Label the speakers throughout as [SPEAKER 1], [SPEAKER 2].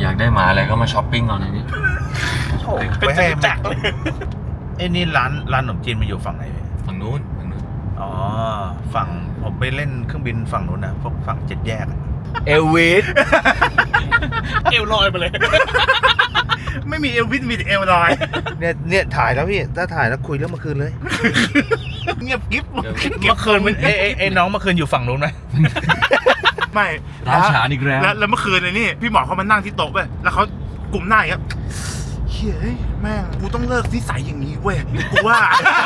[SPEAKER 1] อยากได้หมาอะไรก็มาช้อปปิ้งเอาในนี้
[SPEAKER 2] ไปให้จักเลยไอ้นี่ร้านขนมจีนมันอยู่ฝั่งไหน
[SPEAKER 1] ฝั่งนู้น
[SPEAKER 2] อ๋อฝั่งผมไปเล่นเครื่องบินฝั่งนู้นนะพวกฝั่ง7 แยก
[SPEAKER 1] เอลวิส
[SPEAKER 3] เอวลอยมาเลย
[SPEAKER 2] ไม่มีเอลวิสมีแต่เอลลอยเนี่ยถ่ายแล้วพี่ถ้าถ่ายแล้วคุยเรื่องเมื่อคืนเลยเงียบกิ๊บเมื่อคืนมันไอ้น้องเมื่อคืนอยู่ฝั่งนู้นไหมไม่
[SPEAKER 1] ร้านฉานอีกแล้ว
[SPEAKER 2] แล้วเมื่อคืนนี่พี่หมอเขามานั่งที่โต๊ะไปแล้วเขากลุ่มหน้าอย่างเงี้ยเฮ้ยแม่งกูต้องเลิกนิสัยอย่างนี้เว้ยกูว่า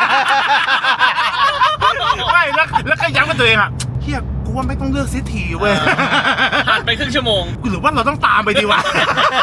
[SPEAKER 2] ไม่แล้วก็ย้ำกับตัวเองอ่ะเฮียกูว่าไม่ต้องเลือกเสียทีเว้ย
[SPEAKER 3] ผ่านไปครึ่งชั่วโมง
[SPEAKER 2] หรือว่าเราต้องตามไปดีวะ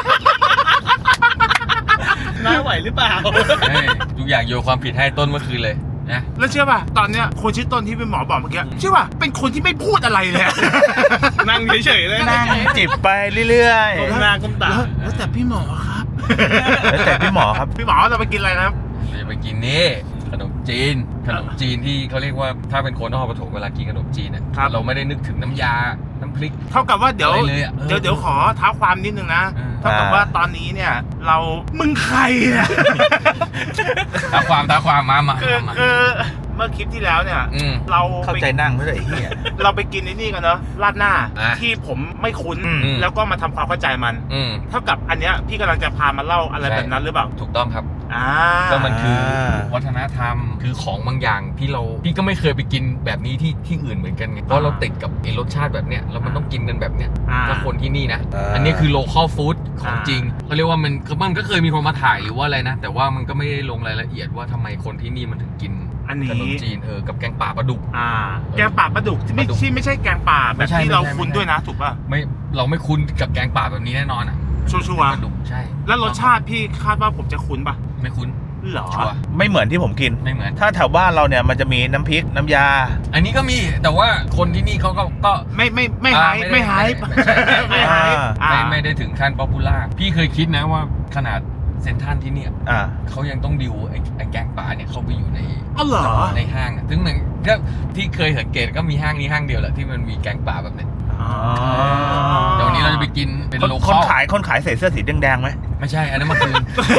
[SPEAKER 3] น่าไหวหรือเปล่า
[SPEAKER 1] ทุกอย่างโยนความผิดให้ต้นเมื่อคืนเลยนะ
[SPEAKER 2] แล้วเชื่อป่ะตอนเนี้ยคนชื่อต้นที่เป็นหมอบอกเมื่อกี้เชื่อป่ะเป็นคนที่ไม่พูดอะไรเลย
[SPEAKER 3] นั่งเฉยๆเลย
[SPEAKER 2] นั่งจิบไปเรื่อยๆ
[SPEAKER 3] ก้มหน้าก้มตา
[SPEAKER 2] แล้วแต่พี่หมอครับแล้วแต่พี่หมอครับพี่หมอเราไปกินอะไรนะครับ
[SPEAKER 1] เราจะไปกินนี่ขนมจีนที่เขาเรียกว่าถ้าเป็นคนนครปฐมเวลากินขนมจีนเนี่ยเราไม่ได้นึกถึงน้ำยาน้ำพริก
[SPEAKER 2] เท่ากับว่าเดี๋ยวขอเท้าความนิดนึงนะเท่ากับว่าตอนนี้เนี่ยเรามึงใครเนี่ย
[SPEAKER 1] ท้าความมา
[SPEAKER 2] คือเมื่อคลิปที่แล้วเนี่ยเราเข้าใจนั่งไม่ได้เฮียเราไปกินนี่กันเนาะราดหน้าที่ผมไม่คุ้นแล้วก็มาทำความเข้าใจมันเท่ากับอันเนี้ยพี่กำลังจะพามาเล่าอะไรแบบนั้นหรือเปล่า
[SPEAKER 1] ถูกต้องครับก็มันคือวัฒนธรรมคือของบางอย่างพี่ก็ไม่เคยไปกินแบบนี้ที่อื่นเหมือนกันไงเพราะเราติดกับไอ้รสชาติแบบเนี้ยแล้วมันต้องกินกันแบบเนี้ยถ้าคนที่นี่นะอันนี้คือ local food ของจริงเขาเรียกว่ามันก็เคยมีคนมาถ่ายหรือว่าอะไรนะแต่ว่ามันก็ไม่ได้ลงรายละเอียดว่าทำไมคนที่นี่มันถึงกินขนมจีนกับแกงป่าปลาดุก
[SPEAKER 2] แกงป่าปลาดุกที่ไม่ใช่แกงป่าแบบที่เราคุ้นด้วยนะถูกป่ะ
[SPEAKER 1] ไม่เราไม่คุ้นกับแกงป่าแบบนี้แน่นอน
[SPEAKER 2] ชัวร์
[SPEAKER 1] ปลาดุกใช่
[SPEAKER 2] แล้วรสชาติพี่คาดว่าผมจะคุ้นป่ะ
[SPEAKER 1] ไม่คุ้น
[SPEAKER 2] หรอไม่เหมือนที่ผมกิน
[SPEAKER 1] ไม่เหมือน
[SPEAKER 2] ถ้าแถวบ้านเราเนี่ยมันจะมีน้ำพริกน้ำยา
[SPEAKER 1] อันนี้ก็มีแต่ว่าคนที่นี่เขาก็
[SPEAKER 2] ไม่หาย
[SPEAKER 1] ไม่ได้ถึงขั้นป๊อปปูล่าพี่เคยคิดนะว่าขนาดเซ็นทรัลที่เนี่ยเขายังต้องดิวไอ้แกงป่าเนี่ยเข้าไปอยู่ในในห้างซึ่งมันก็ที่เคยสังเกตก็มีห้างนี้ห้างเดียวแหละที่มันมีแกงป่าแบบนี้เดี๋ยวนี้เราจะไปกินเป็นโลคอล
[SPEAKER 2] คนขายใส่เสื้อสีแดงๆไหม
[SPEAKER 1] ไม่ใช่อันนั้นมัน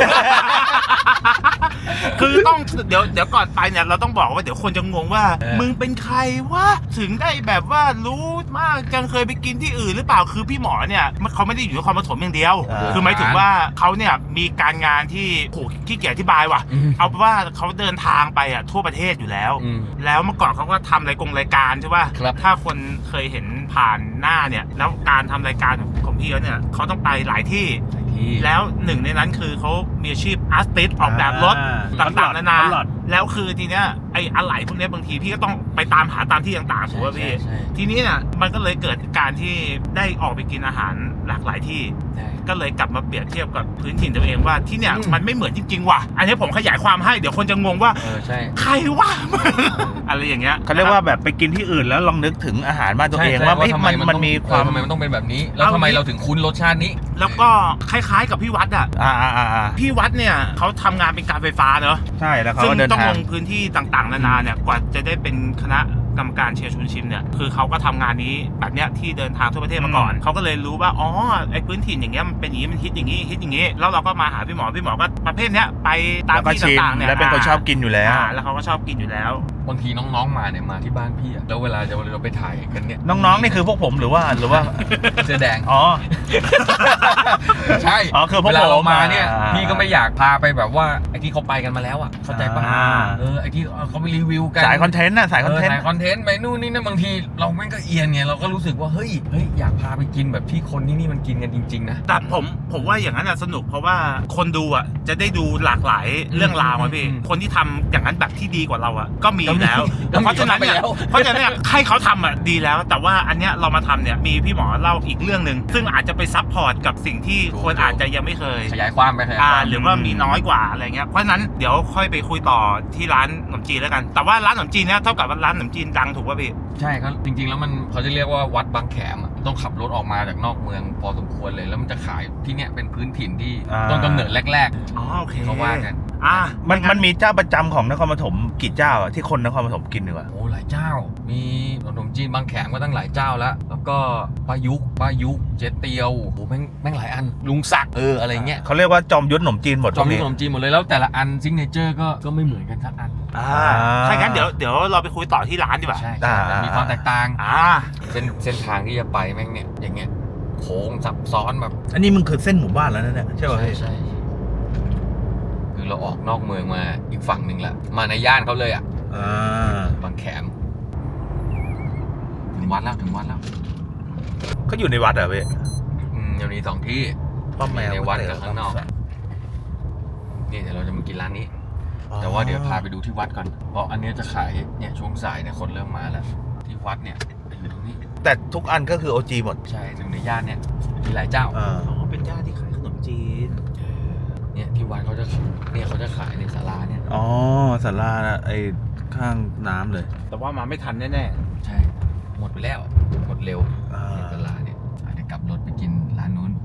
[SPEAKER 2] คือต้องเดี๋ยวก่อนไปเนี่ยเราต้องบอกว่าเดี๋ยวคนจะงงว่ามึงเป็นใครวะถึงได้แบบว่ารู้มากจังเคยไปกินที่อื่นหรือเปล่าคือพี่หมอเนี่ยเขาไม่ได้อยู่นครปฐมอย่างเดียวคือหมายถึงว่าเขาเนี่ยมีการงานที่ขี้เกียจอธิบายว่ะเอาเป็นว่าเขาเดินทางไปทั่วประเทศอยู่แล้วแล้วเมื่อก่อนเขาก็ทำรายการใช่ป่ะถ้าคนเคยเห็นผ่านหน้าเนี่ยแล้วการทำรายการของพี่เนี่ยเขาต้องไปหลายที่แล้วหนึ่งในนั้นคือเขามีอาชีพอาร์ติสต์ออกแบบรถต่างๆนานาแล้วคือทีเนี้ยไอ้อะไหล่พวกนี้บางทีพี่ก็ต้องไปตามหาตามที่ต่างๆถูกป่ะพี่ทีนี้เนี่ยมันก็เลยเกิดการที่ได้ออกไปกินอาหารหลากหลายที่ก็เลยกลับมาเปรียบเทียบกับพื้นถิ่นตัวเองว่าที่เนี่ยมันไม่เหมือนจริงๆว่ะอันนี้ผมขยายความให้เดี๋ยวคนจะงงว่าใครวะอะไรอย่างเงี้ยเขาเรียกว่าแบบไปกินที่อื่นแล้วลองนึกถึงอาหารบ้านตัวเองว่ามันมีความ
[SPEAKER 1] ทำไมมันต้องเป็นแบบนี้แล้วทำไมเราถึงคุ้นรสชาตินี้
[SPEAKER 2] แล้วก็คล้ายๆกับพี่วัดพี่วัดเนี่ยเขาทำงานเป็นการไฟฟ้าเนอะใช่แล้วเขาต้องลงพื้นที่ต่างๆนานาเนี่ยกว่าจะได้เป็นคณะกรรมการเชียร์ชุนชิมเนี่ยคือเขาก็ทำงานนี้แบบเนี้ยที่เดินทางทั่วประเทศมาก่อนเขาก็เลยรู้ว่าอ๋อไอ้พื้นถิ่นอย่างเงี้ยมันเป็นอย่างงี้มันฮิตอย่างงี้แล้วเราก็มาหาพี่หมอก็ประเภทเนี้ยไปตามที่ต่างๆเนี่ยแล้วเป็นคนชอบกินอยู่แล้วแล้วเขาก็ชอบกินอยู่แล้ว
[SPEAKER 1] บางทีน้องๆมาเนี่ยมาที่บ้านพี่แล้วเวลาเราไปถ่ายกันเนี่ย
[SPEAKER 2] น้องๆนี่คือพวกผมหรือว่า
[SPEAKER 1] เสื้อแดง
[SPEAKER 2] อ๋อ
[SPEAKER 1] ใช่
[SPEAKER 2] คือพวก
[SPEAKER 1] เรามาเนี่ยพี่ก็ไม่อยากพาไปแบบว่าไอ้ที่เขาไปกันมาแล้วเข้าใจป่ะไอ้ที่เขาไปรีวิวกัน
[SPEAKER 2] สายคอนเทนต์สายคอนเทนต์
[SPEAKER 1] ไปนู่นนี่นั่นบางทีเราแม่งก็เอียนไงเราก็รู้สึกว่าเฮ้ยอยากพาไปกินแบบที่คนที่นี่มันกินกันจริงๆนะ
[SPEAKER 2] แต่ผมว่าอย่างนั้นสนุกเพราะว่าคนดูจะได้ดูหลากหลายเรื่องราวพี่คนที่ทำอย่างนั้นแบบที่ดีกว่าเราก็มีอยู่แล้วเพราะฉะนั้นเนี่ยให้เขาทำดีแล้วแต่ว่าอันเนี้ยเรามาทำเนี่ยมีพี่หมอเล่าอีกเรื่องนึงซึ่งอาจจะไปซัพพอร์ตกับสิ่งที่คนอาจจะยังไม่เคย
[SPEAKER 1] ขยายความไป
[SPEAKER 2] หรือว่ามีน้อยกว่าอะไรเงี้ยเพราะฉะนั้นเดี๋ยวค่อยไปคุยต่อที่ร้านขนมจีนแล้วกันแต่ว่าร้านขนมจีนเนี่ยเท่ากับร้านขนมจีนดังถูกป่ะพี่
[SPEAKER 1] ใช่ครับจริงๆแล้วมันเขาจะเรียกว่าวัดบางแขมต้องขับรถออกมาจากนอกเมืองพอสมควรเลยแล้วมันจะขายที่เนี่ยเป็นพื้นถิ่นที่ต้นกำเนิดแรก
[SPEAKER 2] ๆโอเค
[SPEAKER 1] เขาว่ากัน
[SPEAKER 4] มันมีเจ้าประจำของนครปฐมกี่เจ้าอะที่คนนครปฐมกินดีกว่า
[SPEAKER 1] โอ้หลายเจ้า มีขนมจีนบางแขมก็ตั้งหลายเจ้าแล้วก็ป้ายุกเจ๊เตียวโอ้แม่งหลายอันลุงศักดิ์อะไรเงี้ย
[SPEAKER 4] เขาเรียกว่าจอมยุทธขนมจีนหมด
[SPEAKER 1] จอมยุทธขนมจีนหมดเลยแล้วแต่ละอันซิกเนเจอร์ก็ไม่เหมือนกันสักอัน
[SPEAKER 2] ถ้างั้นเดี๋ยวเราไปคุยต่อที่ร้านดีกว่า
[SPEAKER 1] ใช่มีความแตกต่าง
[SPEAKER 2] อ่า
[SPEAKER 1] เส้นทางที่จะไปแม่งเนี่ยอย่างเงี้ยโค้งซับซ้อนแบบ
[SPEAKER 4] อันนี้มึงคือเส้นหมู่บ้านแล้วนะเนี่ยใช่ป่ะพี่
[SPEAKER 1] ใช่คือเราออกนอกเมืองมาอีกฝั่งหนึ่งละมาในย่านเขาเลยอ่ะบางแขมถึงวัดแล้ว
[SPEAKER 4] เขาอยู่ในวัดเหรอพี่
[SPEAKER 1] ยังมี2 ที่
[SPEAKER 4] ป้อมแมว
[SPEAKER 1] ในวัดกับข้างนอกนี่เดี๋ยวเราจะมากินร้านนี้ แต่ว่าเดี๋ยวพาไปดูที่วัดก่อนเพราะอันนี้จะขายเนี่ยช่วงสายเนี่ยคนเริ่มมาแล้วที่วัดเนี่ยอยู่ตรงนี้
[SPEAKER 4] แต่ทุกอันก็คือ OG หมด
[SPEAKER 1] ใช่ถึงในย่านเนี่ยมีหลายเจ้า
[SPEAKER 2] เป็นญาติที่ขายขนมจีน
[SPEAKER 1] เนี่ยที่วัดเขาจะขายในศาลาเนี่ย
[SPEAKER 4] อ๋อศาลาไอ้ข้างน้ำเลย
[SPEAKER 2] แต่ว่ามาไม่ทันแน่
[SPEAKER 1] ใช่หมดไปแล้วหมดเร็วในศาลาเนี่ยเดี๋ยวกลับรถไปกินร้านนู้น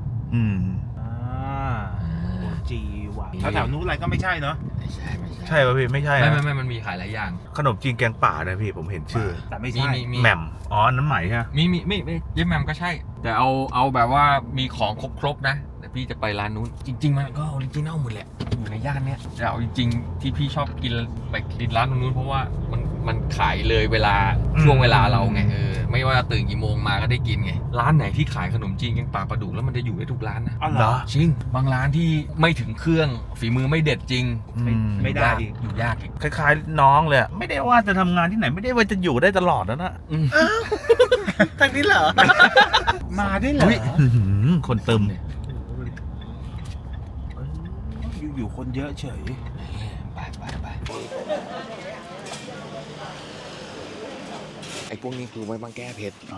[SPEAKER 2] ๆจีว่ะแถวนู้นอะไรก็ไม่ใช่เนาะ
[SPEAKER 1] ไม่ใช่
[SPEAKER 4] ใช่ป่ะพี่ไม่ใช่
[SPEAKER 1] ไม่มันมีขายหลายอย่าง
[SPEAKER 4] ขนมจีนแกงป่านะพี่ผมเห็นชื่อ
[SPEAKER 2] แต่ไม่ใช่
[SPEAKER 1] มี
[SPEAKER 4] แหม่มอ๋ออันนั้นใหม่ใช่ไหม
[SPEAKER 1] ไม่เย้แมมก็ใช่ แต่เอาแบบว่ามีของครบนะแต่พี่จะไปร้านนู้นจริงๆมันก็ออริจินัลหมดแหละอยู่ในย่านเนี้ยแต่เอาจริงๆที่พี่ชอบกินไปกินร้านตรงนู้นเพราะว่ามันขายเลยเวลาช่วงเวลาเราไงไม่ว่าตื่นกี่โมงมาก็ได้กินไงร้านไหนที่ขายขนมจีนแกงป่าปลาดุกแล้วมันจะอยู่ได้ทุกร้านนะ
[SPEAKER 2] อ๋อเหรอ
[SPEAKER 1] จริงบางร้านที่ไม่ถึงเครื่องฝีมือไม่เด็ดจริง
[SPEAKER 2] ไม่ได้
[SPEAKER 1] อยู่ยากอีก
[SPEAKER 4] คล้ายๆน้องเลยอะไม่ได้ว่าจะทำงานที่ไหนไม่ได้ว่าจะอยู่ได้ตลอดนะ
[SPEAKER 3] ทางนี้เหรอ
[SPEAKER 2] มาได้เหรอ
[SPEAKER 4] คนเติม
[SPEAKER 2] อยู่คนเยอะเฉย
[SPEAKER 1] ไปไอ้พวกนี้คือไว้บางแก้เผ็ด
[SPEAKER 2] อ๋อ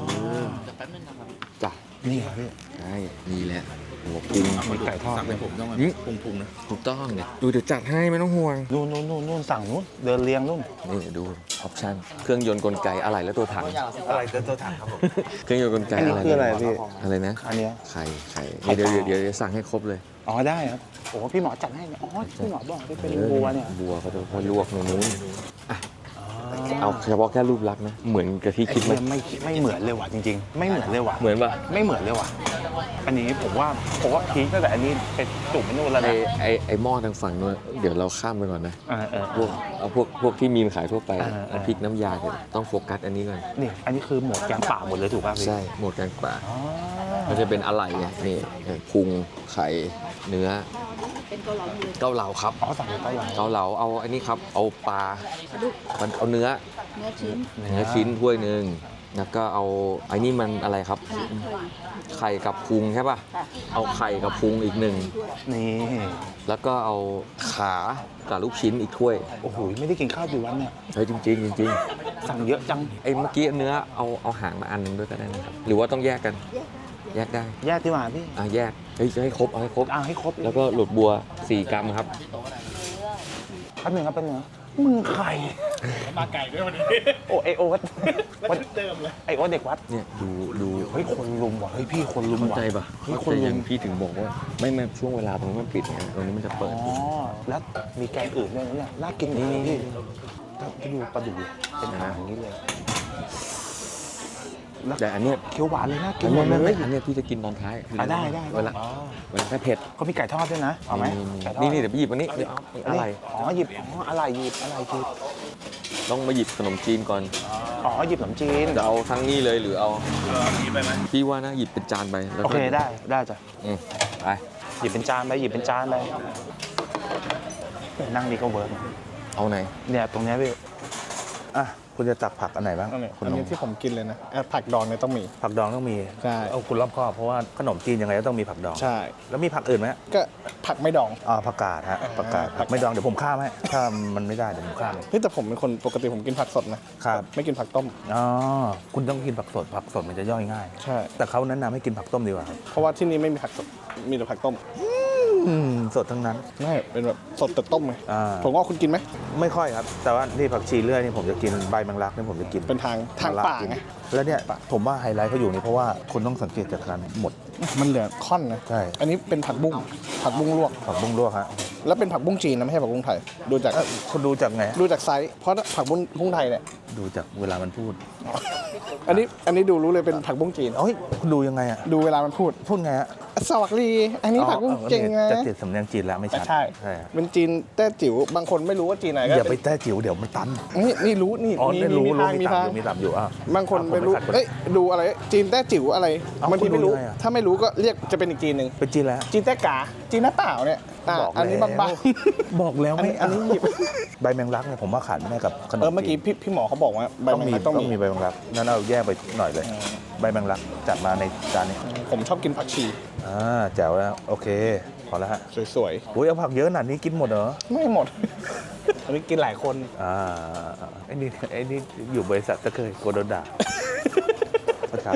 [SPEAKER 1] จ้ะ
[SPEAKER 2] นี่เหรอพี่
[SPEAKER 1] ใช่นี่แหละหัวกุ้ง
[SPEAKER 2] มีไก่ทอด
[SPEAKER 4] สั่งให้ผมต้อง พุงนะ
[SPEAKER 1] ถูกต้องเนี่ยเดี๋ยวจัดให้ไม่ต้องห่วง
[SPEAKER 2] นู่นสั่งนู่นเดินเรียงนู่น
[SPEAKER 1] นี่ดูออปชั่นเครื่องยนต์กลไกอะไรและตัวถัง
[SPEAKER 2] อะไรตัวถังครับผม
[SPEAKER 1] เครื่องยนต์กลไก
[SPEAKER 2] อันนี้
[SPEAKER 1] อะไร
[SPEAKER 2] คืออะไรพี่
[SPEAKER 1] อะไรนะ
[SPEAKER 2] อันเนี้ย
[SPEAKER 1] ไข่เดี๋ยวสั่งให้ครบเลย
[SPEAKER 2] อ๋อได้ครับโอ้พี่หมอจัดให้เนี่ยอ๋อพี่หมอบอกได้เป็นบัวเนี่ย
[SPEAKER 1] บัวเขาจะลวกตรงนู้นอ่ะเอาเฉพาะแค่รูปลักษณ์นะเหมือนกับที่คิดไหม
[SPEAKER 2] ไม่เหมือนเลยว่ะจริงๆ ไม่เหมือนเลยว่ะ
[SPEAKER 1] เหมือนป่ะ
[SPEAKER 2] ไม่เหมือนเลยว่ะอันนี้ผมว่าพีคตั้งแต่อันนี้เป็นจุ่มไม่นู่นแล้วนะ
[SPEAKER 1] ไอหม้อทางฝั่งนู้นเดี๋ยวเราข้ามไปก่อนนะ พวกที่มีขายทั่วไป
[SPEAKER 2] น้ำพริ
[SPEAKER 1] พริ
[SPEAKER 2] ก
[SPEAKER 1] กน้ำยาเนี่ยต้องโฟกัสอันนี้ก่อน
[SPEAKER 2] นี่อันนี้คือหมวดแกงป่าหมดเลยถูกป่ะพี่
[SPEAKER 1] ใช่หมดกลางป่า
[SPEAKER 2] อ๋อ
[SPEAKER 1] มันจะเป็นอะไรไงนี่พุงไข่เนื้อเกาเหลาครับ
[SPEAKER 2] อ๋อสั่งเป็นเกาเหลา
[SPEAKER 1] เกาเหลาเอาอันนี้ครับเอาปลามันเอาเนื้อ
[SPEAKER 5] เนื้อชิ้น
[SPEAKER 1] ชิ้นถ้วยหนึ่งแล้วก็เอาไอ้นี่มันอะไรครับ ไข่กับพุงใช่ป่ะเอาไข่กับพุงอีกหนึ่ง
[SPEAKER 2] นี่
[SPEAKER 1] แล้วก็เอาขากับลูกชิ้นอีกถ้วย
[SPEAKER 2] โอ้โหไม่ได้กินข้าวกี่วันเนี่ย
[SPEAKER 1] ใช่จริงจริง
[SPEAKER 2] สั่งเยอะจัง
[SPEAKER 1] ไอ้เมื่อกี้เนื้อเอาหางมาอันหนึงด้วยก็ได้นะครับหรือว่าต้องแยกกันแยกได้
[SPEAKER 2] แยกที่มาพี่
[SPEAKER 1] แยกเฮ้ยจะให้ครบเอาให้ครบ
[SPEAKER 2] ให้ครบ
[SPEAKER 1] แล้วก็หลุดบัว4 กรัมครับ
[SPEAKER 2] แป๊บนึงครับแป๊บนึงมึงใคร
[SPEAKER 3] มาไก่ด้วยวันนี้
[SPEAKER 2] โอ้ไอโอ๊ต
[SPEAKER 3] วันเดิมเลย
[SPEAKER 2] ไอโอ๊ตเด็กวัด
[SPEAKER 1] เนี่ยดู
[SPEAKER 2] เฮ้ยคนลุมว่ะเฮ้ยพี่คนลุม
[SPEAKER 1] เข้า
[SPEAKER 2] ว่ะ
[SPEAKER 1] ใจปะ
[SPEAKER 2] เฮ้ย
[SPEAKER 1] เข้า
[SPEAKER 2] คน
[SPEAKER 1] ใจ
[SPEAKER 2] ลุ
[SPEAKER 1] ยั
[SPEAKER 2] ม
[SPEAKER 1] งพี่ถึงบอกว่าไม่ช่วงเวลาตรงนี้มันปิดไงตรงนี้มันจะเปิด
[SPEAKER 2] อ๋อแล้วมีแกงอื่นด้วยนะเนี่ยน่ากินนี่พี่ถ้าดูปลาดุกเป็นหางอย่างนี้เลยแล้ว
[SPEAKER 1] แต่อันเนี้ย
[SPEAKER 2] เคี้ยวหวานเลยน่ากิน
[SPEAKER 1] อัน
[SPEAKER 2] หม
[SPEAKER 1] เนี้
[SPEAKER 2] ด
[SPEAKER 1] ย
[SPEAKER 2] เลย
[SPEAKER 1] อันเนี้ยพี่จะกินตอนท้าย
[SPEAKER 2] ได้
[SPEAKER 1] เวลาแค่เผ็ด
[SPEAKER 2] เขามีไก่ทอดด้วยนะเอาไหมไก่ทอด
[SPEAKER 1] นี่เดี๋ยวไปหยิบอันนี้เดี๋ยวอะไร
[SPEAKER 2] อ๋อหยิบอะไรหยิบ
[SPEAKER 1] ต้องมาหยิบขนมจีนก่อน
[SPEAKER 2] อ๋อหยิบขนมจีน
[SPEAKER 1] จะเอาทั้งนี้เลยหรือเอา
[SPEAKER 3] มีไปไหม
[SPEAKER 1] พี่ว่านะหยิบเป็นจานไปแล้ว
[SPEAKER 2] โอ
[SPEAKER 1] ก็
[SPEAKER 2] เคได้จ้ะ
[SPEAKER 1] ไป
[SPEAKER 2] หยิบเป็นจานไปนั่งดีก็เวิร์ก
[SPEAKER 1] เอาไหน
[SPEAKER 2] เนี่ยตรงเนี้ยพี่
[SPEAKER 4] อ่ะคุณจะตักผักอันไหนบ้าง
[SPEAKER 3] อันนี้
[SPEAKER 4] คุณ
[SPEAKER 3] อันนี้ที่ผมกินเลยนะผักดองเนี่ยต้องมี
[SPEAKER 4] ผักดองต้องมี
[SPEAKER 3] ใช่
[SPEAKER 4] เอาคุณรอบคอบเพราะว่าขนมจีนยังไงก็ต้องมีผักดอง
[SPEAKER 3] ใช่
[SPEAKER 4] แล้วมีผักอื่นไหม
[SPEAKER 3] ก็ผักไม่ดอง
[SPEAKER 4] ผักกาดฮะผักกาดผักไม่ดองเดี๋ยวผมข้ามให้ถ้ามันไม่ได้เดี๋ยวผมข้าม
[SPEAKER 3] เฮ้ยแต่ผมเป็นคนปกติผมกินผักสดนะครับ ไม่กินผักต้ม
[SPEAKER 4] อ๋อคุณต้องกินผักสดมันจะย่อยง่าย
[SPEAKER 3] ใช่
[SPEAKER 4] แต่เขาแนะนำให้กินผักต้มดีกว่าครับ
[SPEAKER 3] เพราะว่าที่นี่ไม่มีผักสดมีแต่ผักต้ม
[SPEAKER 4] สดทั้งนั้น
[SPEAKER 3] ไม่เป็นแบบสดแต่ต้มไง
[SPEAKER 4] อ่า
[SPEAKER 3] ผมว่าคุณกินไหม
[SPEAKER 4] ไม่ค่อยครับ แต่ว่าที่ผักชีเลื่อยนี่ผมจะกินใบแมงลักนี่ผมจะกิน
[SPEAKER 3] เป็นทางป่าไง
[SPEAKER 4] แล้วเนี่ยผมว่าไฮไลท์เขาอยู่นี่เพราะว่าคุณต้องสังเกตจากการหมด
[SPEAKER 3] มันเหลือค่อนนะ
[SPEAKER 4] ใช่
[SPEAKER 3] อันนี้เป็นผักบุ้งลวก
[SPEAKER 4] ผักบุ้งลวกฮะ
[SPEAKER 3] แล้วเป็นผักบุ้งจีนนะไม่ใช่ผักบุ้งไทยดูจาก
[SPEAKER 4] คุณดูจากไง
[SPEAKER 3] ดูจากไซส์เพราะผักบุ้งไทยเนี่ย
[SPEAKER 4] ดูจากเวลามันพูด
[SPEAKER 3] อันนี้ดูรู้เลยเป็นผักบุ้งจีน
[SPEAKER 4] เอ้ยคุณดูยังไงอ่ะ
[SPEAKER 3] ดูเวลามันพูด
[SPEAKER 4] พูดไงอ่ะ
[SPEAKER 3] สวัสดีอันนี้ผักบุ้งจริงนะ
[SPEAKER 4] จะติดสำเนียงจีนแล้วไม่ชัด
[SPEAKER 3] ใช่
[SPEAKER 4] ใช่ครับ
[SPEAKER 3] เป็นจีนแต้จิ๋วบางคนไม่รู้ว่าจีนไหนก็
[SPEAKER 4] อย่าไป
[SPEAKER 3] เป็น
[SPEAKER 4] แต้จิ๋วเดี๋ยวมันตัน
[SPEAKER 3] นี่รู้นี่
[SPEAKER 4] อ๋อได้รู้
[SPEAKER 3] มีทาง
[SPEAKER 4] มีต่ำอยู่อ่ะ
[SPEAKER 3] บางคนไม่รู้
[SPEAKER 4] ผมขัด
[SPEAKER 3] เอ้ยดูอะไรจีนแต้จิ๋วอะไร
[SPEAKER 4] เอ้า
[SPEAKER 3] บางทีไม่รู้
[SPEAKER 4] คุณดูยังไงอะ
[SPEAKER 3] ถ้าไม่รู้ก็เรียกจะเป็นอีกจีนหนึ่ง
[SPEAKER 4] เป็นจีนแล้ว
[SPEAKER 3] จีนแต้กาจีนหน้าเปล่าเนี่ย
[SPEAKER 4] บอก
[SPEAKER 3] อันนี้
[SPEAKER 4] แล้ว
[SPEAKER 3] บาง
[SPEAKER 4] บอกแล้ว
[SPEAKER 3] ๆอัน
[SPEAKER 4] ไม่
[SPEAKER 3] นี้อันนี้หยิบ
[SPEAKER 4] ใบแมงลักเนี่ยผมว่าขาดไม่ได้กับขนม
[SPEAKER 3] เมื่อกี้พี่หมอเขาบอกว่าใบ
[SPEAKER 4] ต้อง
[SPEAKER 3] แมง
[SPEAKER 4] มี
[SPEAKER 3] ลัก
[SPEAKER 4] ต้
[SPEAKER 3] ต้
[SPEAKER 4] อ
[SPEAKER 3] อง ง
[SPEAKER 4] มี
[SPEAKER 3] มี
[SPEAKER 4] ใบแมงลักนั่นเอาแยกไปหน่อยเลย ใบแมงลักจัดมาในจานนี้
[SPEAKER 3] ผมชอบกินผักชี
[SPEAKER 4] แจ๋วแล้วโอเคพอแล้วฮะ
[SPEAKER 3] สวย
[SPEAKER 4] อุ้ยเอาผักเยอะขนาดนี้กินหมดเหรอ
[SPEAKER 3] ๆไม่หมด อันนี้กินหลายคน
[SPEAKER 4] ไอ้นี่อยู่บริษัทก็เคยโกโดนด่าครับ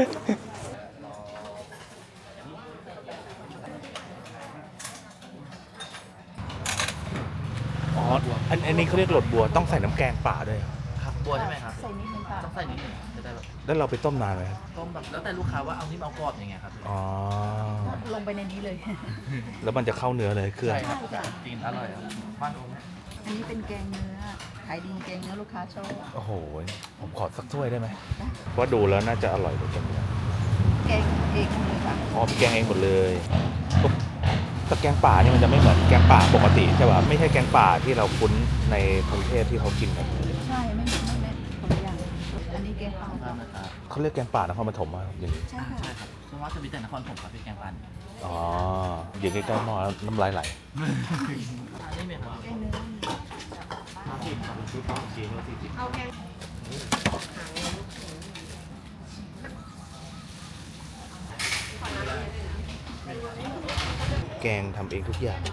[SPEAKER 4] อ๋ออันนี้เขาเรียกหลดบัวต้องใส่น้ำแกงป่าด้วย
[SPEAKER 5] ครับบัวใช่ไหมครับ
[SPEAKER 6] ใส่นิดนึงค่ะ
[SPEAKER 5] ต้องใส่นิดหนึ่งจะได้แบบ
[SPEAKER 4] แล้วเราไปต้มนานไหมครับ
[SPEAKER 5] ต้มแบบแล้วแต่ลูกค้าว่าเอานิ่มเอากรอบยังไงครับ
[SPEAKER 4] อ๋อ
[SPEAKER 6] ลงไปในนี้เลย
[SPEAKER 4] แล้วมันจะเข้าเนื้อเลยเครื่อง
[SPEAKER 5] ใช่ครับกินอร่อยครับบ้านผม
[SPEAKER 6] อันนี้เป็นแกงเนื้อ ขายดีแกงเนื้อลูกค้าชอบ
[SPEAKER 4] โอ้โหผมขอสักถ้วยได้ไหมเพราะดูแล้วน่าจะอร่อยกว่าจังเลย
[SPEAKER 6] แกงเองเลยค่ะ
[SPEAKER 4] อ๋อมีแกงเองหมดเลยแต่แกงป่านี่มันจะไม่เหมือนแกงป่าปกติใช่ป่ะไม่ใช่แกงป่าที่เราคุ้นในกรุงเทพที่เขากินกัน
[SPEAKER 6] ใช่ไม่คนละอย่าง อันนี้แกงเปล่า
[SPEAKER 5] ทานนะครับ
[SPEAKER 4] เขาเรียกแกงป่านครปฐมอะอย่างนี้
[SPEAKER 6] ใช่ค่ะ
[SPEAKER 5] ใช่ครับส่วนมากจะมีแต่นครผมครับพี่แกงปัน
[SPEAKER 4] อ๋ออยู่ใกล้ๆหม้อแล้วน้ำลายไหล
[SPEAKER 5] อันนี้เหมือนว่า
[SPEAKER 6] แกงเนื้อ
[SPEAKER 4] แกงทำเองทุกอย่าง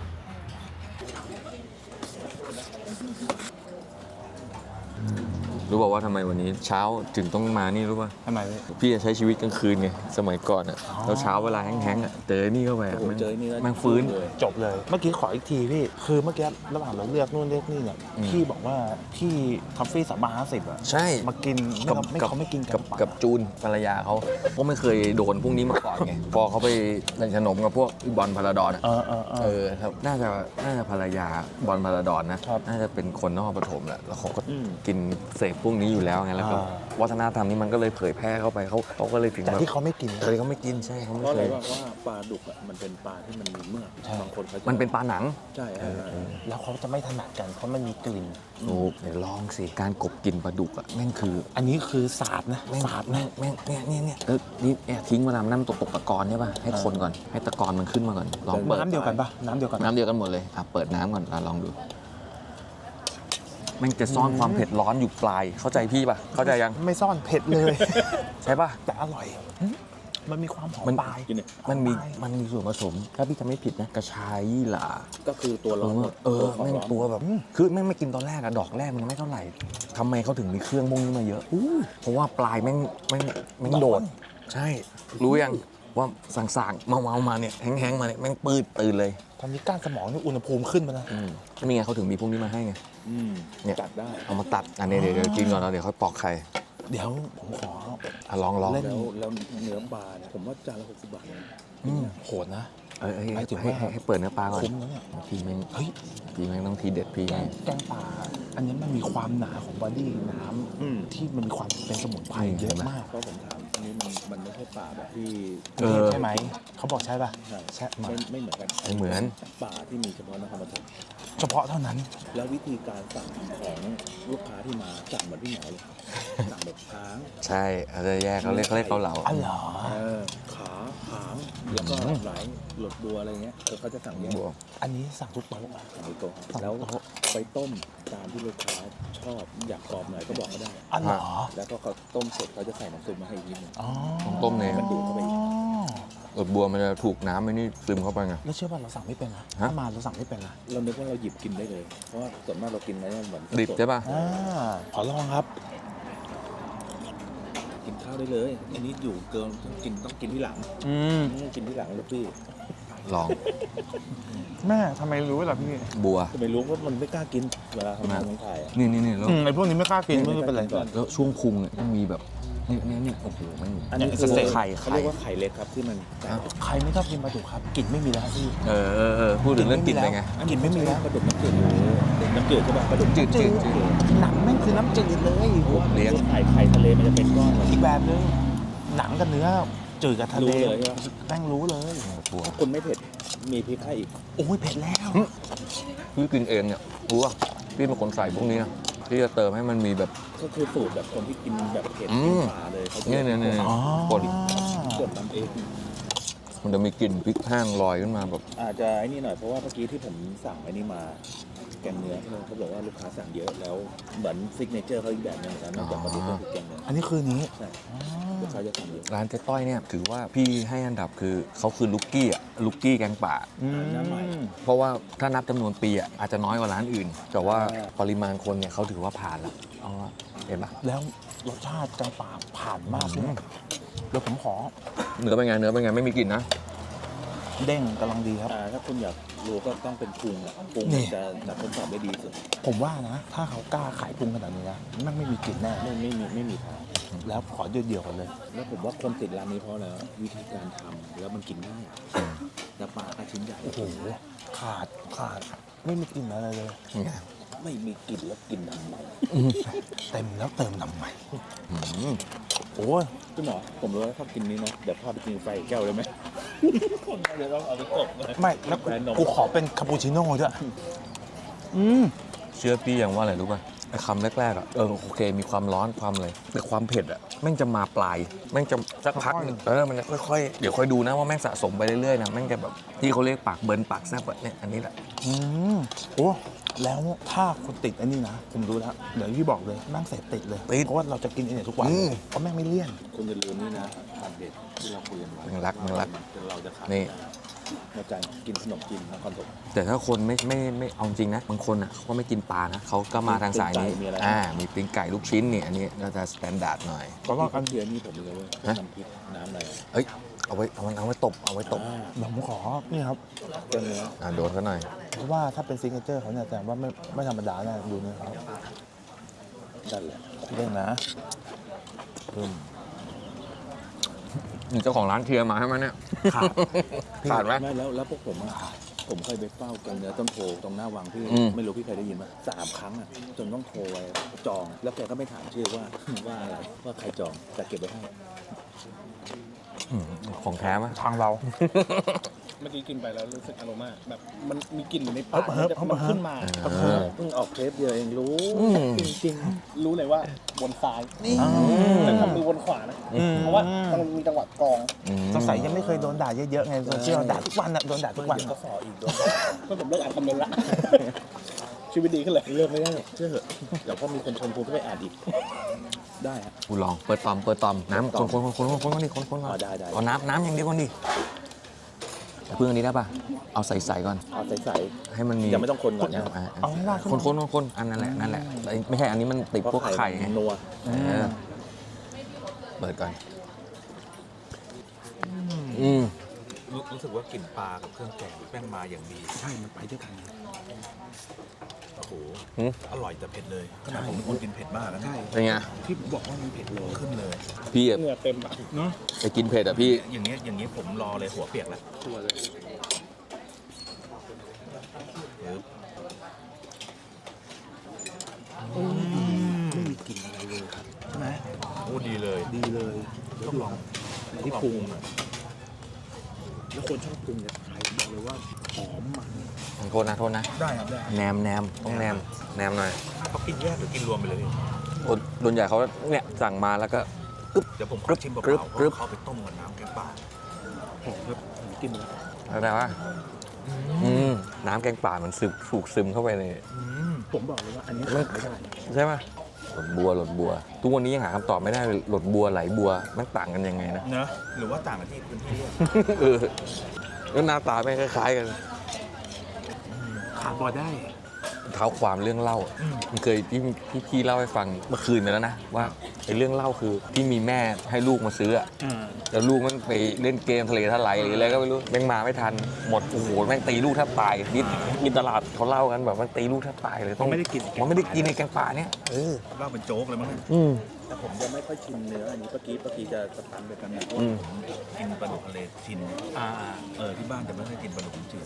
[SPEAKER 1] รู้บอกว่าทำไมวันนี้เช้าถึงต้องมานี่รู้ป่ะ
[SPEAKER 3] ทำไม
[SPEAKER 1] พี่จะใช้ชีวิตกลางคืนไงสมัยก่อนอ่ะแล้วเช้าเวลาแห้งๆอ่ะเจอนี่เข้าไปอะแม่งฟื้น
[SPEAKER 4] จบเลย เมื่อกี้ขออีกทีพี่ คือเมื่อกี้ระหว่างเราเลือกนู่นเลือกนี่เนี่ย พี่บอกว่าพี่ทอฟฟี่350อ่ะ
[SPEAKER 1] ใช่
[SPEAKER 4] มากินเขาไม่กิน
[SPEAKER 1] กับจูนภรรยาเขาก็ไม่เคยโดนพวกนี้มาก่อนไง พอเขาไปเล่นขนมกับพวกบอลพาราดอนอะครับน่าจะภรรยาบอลพาราดอนนะน่าจะเป็นคนนครปฐมแหละแล้วเขาก็กินเสพพวกนี้อยู่แล้วไงแล้วก็วัฒนธรรมนี้มันก็เลยเผยแพร่เข้าไปเขาก็เลยถึง
[SPEAKER 4] แต่
[SPEAKER 1] แบบ
[SPEAKER 4] ที่เขาไม่กิน
[SPEAKER 1] เลยเขาไม่กินใช่เขาไม่
[SPEAKER 7] เพราะอะ
[SPEAKER 1] เค
[SPEAKER 7] ไร
[SPEAKER 1] ย
[SPEAKER 7] ว่าปลาดุกอ่ะมันเป็นปลาที่มันมีเมือกบางคนเขาจะ
[SPEAKER 1] มันเป็นปลาหนัง
[SPEAKER 7] ใช่เออ
[SPEAKER 4] แล้วเขาจะไม่ถนัดกันเพราะมันมีกลิ่น
[SPEAKER 1] ถูกเดี๋ยวลองสิการกบกินปลาดุกอ่ะแม่งคือ
[SPEAKER 4] อันนี้คือสาบนะ
[SPEAKER 1] แม่ง
[SPEAKER 4] สาบนะ
[SPEAKER 1] แม่งเนี่ยนี่ทิ้งเวลาน้ำตกตะกอนใช่ป่ะให้คนก่อนให้ตะกอนมันขึ้นมาก่อนลองเปิด
[SPEAKER 4] น้ำเดียวกันปะน้ำเดียวกัน
[SPEAKER 1] น้ำเดียวกันหมดเลยเปิดน้ำก่อนลองดูแม่งจะซ่อนความเผ็ดร้อนอยู่ปลายเข้าใจพี่ป่ะเข้าใจยัง
[SPEAKER 4] ไม่ซ่อนเผ็ดเลย
[SPEAKER 1] ใช่ป่ะ
[SPEAKER 4] แต่อร่อย มันมีความหอม
[SPEAKER 1] มัน
[SPEAKER 4] ปลาย
[SPEAKER 7] กินเนี่ย
[SPEAKER 1] มันมีส่วนผสมถ้าพี่จำไม่ผิดนะกระชายยี่หร่า
[SPEAKER 7] ก็คือตัวร้อนหมด
[SPEAKER 1] แม่งตัวแบบคือแม่งไม่กินตอนแรกอะดอกแรกมันไม่เท่าไหร่ทำไมเขาถึงมีเครื่องพวกนี้มาเยอะเพราะว่าปลายแม่งโดดใช่รู้ยังว่าสั่งๆเมามาเนี่ยแห้งๆมาเนี่ยแม่งปืดตื่นเลย
[SPEAKER 4] ตอนนี้ก้านสมองนี่อุณหภูมิขึ้นมานะ
[SPEAKER 1] นี่ไงเขาถึงมีพวกนี้มาให้ไง เนี่ย
[SPEAKER 7] จัดได้
[SPEAKER 1] เอามาตัดอันนี้เดี๋ยวกินก่อนแล้วเดี๋ยวค่อยปอกไข่
[SPEAKER 4] เดี๋ยวผมขอ
[SPEAKER 1] ลอง
[SPEAKER 4] เล่น
[SPEAKER 7] แล้วเนื้อปลาเนี่ยผมว่าจานละ60 บาทเอง
[SPEAKER 4] โหดนะ
[SPEAKER 1] ให้เปิดเนื้อปลาก่อน
[SPEAKER 4] คุ้มนะเนี่ย
[SPEAKER 1] ทีแม่ง
[SPEAKER 4] เฮ้ย
[SPEAKER 1] ต้องทีเด็ดพี่
[SPEAKER 4] แกงป่า อันนี้มันมีความหนาของบอดี้น้ำที่มันมีความเป็นสมุนไพรเยอะมาก
[SPEAKER 7] เพราะผมถามอันนี้มันไม่ใช่ปลาแบบที่
[SPEAKER 4] ใช่ไหม เขาบอกใช่ป่ะ ใช่
[SPEAKER 7] ไม่เหมือนกัน
[SPEAKER 1] ไม่เหมือน
[SPEAKER 7] ปลาที่มีเฉพาะนครปฐม
[SPEAKER 4] เฉพาะเท่านั้น
[SPEAKER 7] แล้ววิธีการสั่งของลูกค้าที่มาสั่งเหมือนพี่หมอเลยสั่งแบบค้าง
[SPEAKER 1] ใช่อาจจะแยกเขาเรียกเกาเหลา
[SPEAKER 4] อ๋อเหรอ
[SPEAKER 7] ขาหางแล้วก็หลายหลดบัวอะไรเงี้ยเขาจะสั่งแยก
[SPEAKER 1] บวก
[SPEAKER 4] อันนี้สั่งทุกโต๊ะ
[SPEAKER 7] สั่งในโต๊ะแล้วไปต้มตามที่ลูกค้าชอบอยากกรอบหน่อยก็บอกเขาได้
[SPEAKER 4] อ๋อเหรอ
[SPEAKER 7] แล้วก็เขาต้มเสร็จเขาจะใส่น้ำซุปมาให้อีกนิดนึง
[SPEAKER 4] อ๋อ
[SPEAKER 1] ต้มเนี่ย
[SPEAKER 7] มันดูดเข้าไปอีก
[SPEAKER 1] รสบัวมันจะถูกน้ำไม่นี่ซึมเข้าไปไง
[SPEAKER 4] แล้วเชื่อป่ะเราสั่งไม่เป็นนะ
[SPEAKER 1] ฮะ
[SPEAKER 4] ถ้ามาเราสั่งไม่เป็นนะ
[SPEAKER 7] เรานึกว่าเราหยิบกินได้เลย เพราะว่าส่วนมากเรากินอะไรเหมือน
[SPEAKER 1] ดิบใช่ป่ะ
[SPEAKER 4] ขอลองครับ
[SPEAKER 7] กินข้าวได้เลย อันนี้อยู่เกินต้องกินที่หลังกินที่หลังลูกพี่
[SPEAKER 1] ลอง
[SPEAKER 3] แม่ทำไมรู้ล่ะพี่
[SPEAKER 1] บัว
[SPEAKER 7] ทำไมรู้ว่ามันไม่กล้ากินเวลาทำงานของถ่ายอ่ะ
[SPEAKER 1] นี่แล้ว
[SPEAKER 4] ไอพวกนี้ไม่กล้ากินไม่เป็นไร
[SPEAKER 7] ก่อน
[SPEAKER 1] แล้วช่วงพุงเนี่ยต้องมีแบบนี่โอ้โหมัน
[SPEAKER 7] อันนี้
[SPEAKER 3] คือไข่
[SPEAKER 7] เขาเรียกว่าไข่เล็กครับที่มันแตก
[SPEAKER 3] ใครไม่ชอบกินปลาดุกครับกลิ่นไม่มีแล้วพี่
[SPEAKER 1] พูดถึงเรื่องกลิ่นเป็นไง
[SPEAKER 3] กลิ่นไม่มีแล้ว
[SPEAKER 7] ปลาดุกน้ำจืดน้ำจืดใช่ป่ะปลาดุก
[SPEAKER 1] จืด
[SPEAKER 3] หนังแม่งคือน้ำจืดเลย
[SPEAKER 1] เลี้ยง
[SPEAKER 7] ไข่ทะเลมันจะเป็นก้อนเลย
[SPEAKER 3] อีกแบบนึงหนังกับเนื้อจืดกับทะเล
[SPEAKER 7] รู้เลยใช่ปะ
[SPEAKER 3] แม่งรู้เลย
[SPEAKER 7] ถ้าคุณไม่เผ็ดมีพริกให้อีก
[SPEAKER 3] โอ้ยเผ็ดแล้ว
[SPEAKER 1] พี่กินเองเนี่ยรู้ป่ะพี่เป็นคนใส่พวกนี้นะพี่จะเติมให้มันมีแบบ
[SPEAKER 7] ก็คือสูตรแบบคนที่กินแบบเผ็ด
[SPEAKER 1] อื
[SPEAKER 7] กิน
[SPEAKER 1] ม
[SPEAKER 7] ปลาเลยเขาจะ
[SPEAKER 1] เนี่ย
[SPEAKER 3] อ๋อ
[SPEAKER 1] กด
[SPEAKER 7] กดทำเอง
[SPEAKER 1] มันจะมีกลิ่นพริกแห้งลอยขึ้นมาแบบ
[SPEAKER 7] อาจจะไอ้นี่หน่อยเพราะว่าเมื่อกี้ที่ผมสั่งไอ้นี่มาแกงเนื้อเขาบอกว่าลูกค้าสั่งเยอะแล้วเหมือนซิกเนเจอร์เขาอีกแบบหนึงเหมือนกันนอกจากปลาดุกก็คือแกงเนื้อ
[SPEAKER 3] อันนี้คือนี้
[SPEAKER 7] ใช่ลูกค้าจะสั่งเยอะ
[SPEAKER 1] ร้านเจ๊ต้อยเนี่ยถือว่าพี่ให้อันดับคือเขาคือลูกกี้แกงป่า
[SPEAKER 7] หน้าใหม่
[SPEAKER 1] เพราะว่าถ้านับจำนวนปีอาจจะน้อยกว่าร้านอื่น แต่ว่าปริมาณคนเนี่ยเขาถือว่าผ่านแล้วเอาละเห็นปะ
[SPEAKER 3] แล้วรสชาติจังป่าผ่านมากเลยเดี๋ยวผมขอ
[SPEAKER 1] เนื้อเป็นไงไม่มีกลิ่นนะ
[SPEAKER 3] เด้งกำลังดีครับ
[SPEAKER 7] ถ้าคุณอยากรู้ก็ต้องเป็นปรุงอ่ะปรุง
[SPEAKER 3] นี่
[SPEAKER 7] จะทดสอบได้ดีสุด
[SPEAKER 3] ผมว่านะ ถ้าเขากล้าขายปรุงขนาดนี้นะแม่งไม่มีกลิ่นแน่
[SPEAKER 7] ไม่มีทาง
[SPEAKER 3] แล้วขอเดี่ยวๆกันเลย
[SPEAKER 7] แล้วผมว่าคนติดร้านนี้เพราะอะไรวะวิธีการทำแล้วมันกินง่ายแล้วปลาก็ชิ้นใหญ่
[SPEAKER 3] โอ้โหขาดไม่มีกลิ่นอะไรเลย
[SPEAKER 7] ไม่มีกลิ่นแล้วกินทำไม
[SPEAKER 3] เต็มแล้วเติมทำไมโอ้ย
[SPEAKER 7] พี่หมอผมรู้ว่าชอบกินนี้นะเดี๋ยวพาไปกินไฟแก้วเลยไหมเดี๋ยวต้องเอาไปกบเลย
[SPEAKER 3] ไม่แล้ว
[SPEAKER 7] แบรนด์นม
[SPEAKER 3] กูขอเป็นคาปูชิโน่ด้วย
[SPEAKER 1] เชื่อพี่อย่างว่าอะไรรู้ป่ะไอ้คำแรกๆอ่ะโอเคมีความร้อนความอะไรแต่ความเผ็ดอ่ะแม่งจะมาปลายแม่งจะสักพักหนึ่งมันจะค่อยๆเดี๋ยวค่อยดูนะว่าแม่งสะสมไปเรื่อยๆนะแม่งจะแบบที่เขาเรียกปากเบิร์นปากแซ่บแบบเนี่ยอันนี้แหละ
[SPEAKER 3] โอ้แล้วถ้าคุณติดอันนี้นะผมรู้แล้วเดี๋ยวพี่บอกเลยแม่งเสพติดเลยเพราะว่าเราจะกินอันนี้ทุกวันเพราะแม่งไม่เลี่ยน
[SPEAKER 7] คุณจะลืมนี่นะทานเด็ดที่เราคุยกันไว้
[SPEAKER 1] มึงรัก
[SPEAKER 7] จนเราจะขาย
[SPEAKER 1] นี่
[SPEAKER 7] มาจานกินขนมจีนนครปฐม
[SPEAKER 1] แต่ถ้าคนไม่เอาจริงนะบางคนอ่ะเขาไม่กินปลานะเขาก็มาทางสายนี้
[SPEAKER 7] มีอะไร
[SPEAKER 1] มีปิ้งไก่ลูกชิ้นนี่อันนี้ก็จะสแตนดาร์ดหน่อย
[SPEAKER 7] เพราะว่ากันเทียนี่ผมเลยเว้ย
[SPEAKER 1] ฮะ
[SPEAKER 7] น้ำพริกน้ำอะไรอะ
[SPEAKER 1] เอ้ยเอาไว้ตบ
[SPEAKER 3] เดี๋ยวผมขอนี่ครับ
[SPEAKER 7] เจ้าเนื้อ
[SPEAKER 1] โดนเขาหน่อย
[SPEAKER 3] เพราะว่าถ้าเป็นซิกเนเจอร์เขาเนี่ยแต่ว่าไม่ธรรมดาแน่ดูนี่ครับ
[SPEAKER 7] นั่นแหละ
[SPEAKER 3] เรื่องนะ
[SPEAKER 1] มีเจ้าของร้านเทียร์มาให้มันเนี่ย ขาดไหม
[SPEAKER 7] ไม่แล้วพวกผมอะผมเคยไปเฝ้ากันเนื้อต้นโพตรงหน้าวังพี่
[SPEAKER 1] อืม
[SPEAKER 7] ไม่รู้พี่เคยได้ยินไหม3 ครั้งอะจนต้องโทรไปจอง แล้วแกก็ไม่ถามชื่อว่า ว่าอะไรว่าใครจองแต่เก็บไว้ให้
[SPEAKER 1] ของแท้ไหม
[SPEAKER 3] ทางเรา
[SPEAKER 8] เมื่อกี้กินไปแล้วรู้สึกอารมาแบบมันมีกลิ่นอยู่ในปาก
[SPEAKER 3] เฮิบ
[SPEAKER 8] มันขึ้นมา
[SPEAKER 7] เพิ่งออกเทปเดียวเองรู้ จริง
[SPEAKER 8] รู้เลยว่าบนซ้ายแต่ทำมือบนขวานะ เพราะว่ามันมีจังหวะกรอง
[SPEAKER 3] สงสัยยังไม่เคยโดนด่าเยอะๆไงโซเชียลด่าทุกวันอะโดนด่า
[SPEAKER 7] ๆ
[SPEAKER 3] ทุกวัน
[SPEAKER 7] เดี๋ยวก็สออีกด้วย
[SPEAKER 8] ก็ผมเลิกอ่านคอมเมนต์ละ ชีวิตดีขึ้นเลย
[SPEAKER 7] เลือกไม่ได้หรอกเชื่อเถอะเดี๋ยวพอมีคนชมคุณก็ไปอ่านอีก ได้ฮะ
[SPEAKER 1] กูลองเปิดตอมน้ำคนก่อนดิคนก่อน
[SPEAKER 7] อ๋อได้
[SPEAKER 1] เอาน้ำอย่างเดียวก่อนดิเพื่อนอันนี้ได้ป่ะเอาใส่ก่อน
[SPEAKER 7] เอาใส
[SPEAKER 1] ให้มันมี
[SPEAKER 7] ๆยังไม่ต้องคนก่อนนะ
[SPEAKER 3] เอาให้ราด
[SPEAKER 1] คนอันนั่นแหละไม่ใช่อันนี้มันติดพวกไข่ไง
[SPEAKER 7] นัว
[SPEAKER 1] เปิดก่อน
[SPEAKER 4] รู้สึกว่ากลิ่นปลากับเครื่องแกงแป้งมาอย่างดี
[SPEAKER 3] ใช่มันไปด้วยกัน
[SPEAKER 4] โอ้โหอร่อยแต่เผ็ดเลยขนาดผมเป็นคนกินเผ็ดมากนะใช่
[SPEAKER 1] เป็นไง
[SPEAKER 3] ที่บอกว่ามันเผ็ดเลย
[SPEAKER 4] ขึ้นเลย
[SPEAKER 1] พี่อะ
[SPEAKER 8] เหงื่อเต็มปาก
[SPEAKER 1] ไปกินเผ็ดอะพี่
[SPEAKER 4] อย่างเงี้ยผมรอเลยหัวเปียกแล้ว
[SPEAKER 8] ตัวเลย
[SPEAKER 3] ไม่มีกลิ่นอะไรเลยครับใช่ไหม
[SPEAKER 4] โอ้ดีเลย
[SPEAKER 3] ดีเลยต้องลองที่ปรุงแล้วคนชอบปรุงเนี่ยใครบอกเลยว่าหอมมัน
[SPEAKER 1] โทษนะ
[SPEAKER 3] ได้ครับได้
[SPEAKER 1] แนมต้องแนมหน่อย
[SPEAKER 4] เขากินแยกหรือกินรวมไปเลยพี่
[SPEAKER 1] โดนใหญ่เขาเนี่ยสั่งมาแล้วก็
[SPEAKER 4] เดี๋ยวผมขอชิมเปล่าๆเพราะเขาไปต้มกับน้ำแกงป่า
[SPEAKER 3] หอมครับผมกินแล้ว
[SPEAKER 1] อะไรวะน้ำแกงป่ามันถูกซึมเข้าไปเลย
[SPEAKER 3] ผมบอกเลยว่าอันนี้ขายไม่ได้
[SPEAKER 1] ใช่ป่ะหลดบัวทุกวันนี้ยังหาคำตอบไม่ได้เลยหลดบัวไหลบัวมันต่างกันยังไงนะ
[SPEAKER 4] เนอะหรือว่าต่างกันที่พื้นที่เรียก
[SPEAKER 1] แล้วหน้าตาไม่คล้ายๆกัน
[SPEAKER 3] ขาดบอได้
[SPEAKER 1] เท้าความเรื่องเล่ามันเคยพี่เล่าให้ฟังเมื่อคืนไปแล้วนะว่าไอ้เรื่องเล่าคือที่มีแม่ให้ลูกมาซื้ออะแล้วลูกมันไปเล่นเกมทะเลทลายหรืออะไรก็ไม่รู้แม่งมาไม่ทันหมดโอ้โหแม่งตีลูกแทบตายกินตลาดเขาเล่ากันแบบมันตีลูกแทบตายเลยต้องไม่ได้กินมันไม่ได้กินในแกงป่าเนี่ย
[SPEAKER 7] เล่าเป็นโจ๊กเลยมั้งเนี่ย แต่ผมยังไม่ค่อยชินเนื้ออันนี้เมื่อกี้จะสตันไปกันนะเพราะว่าผมกินปลาดุกทะเลชินที่บ้านจะไม่ค่อยกินปลาดุกจืด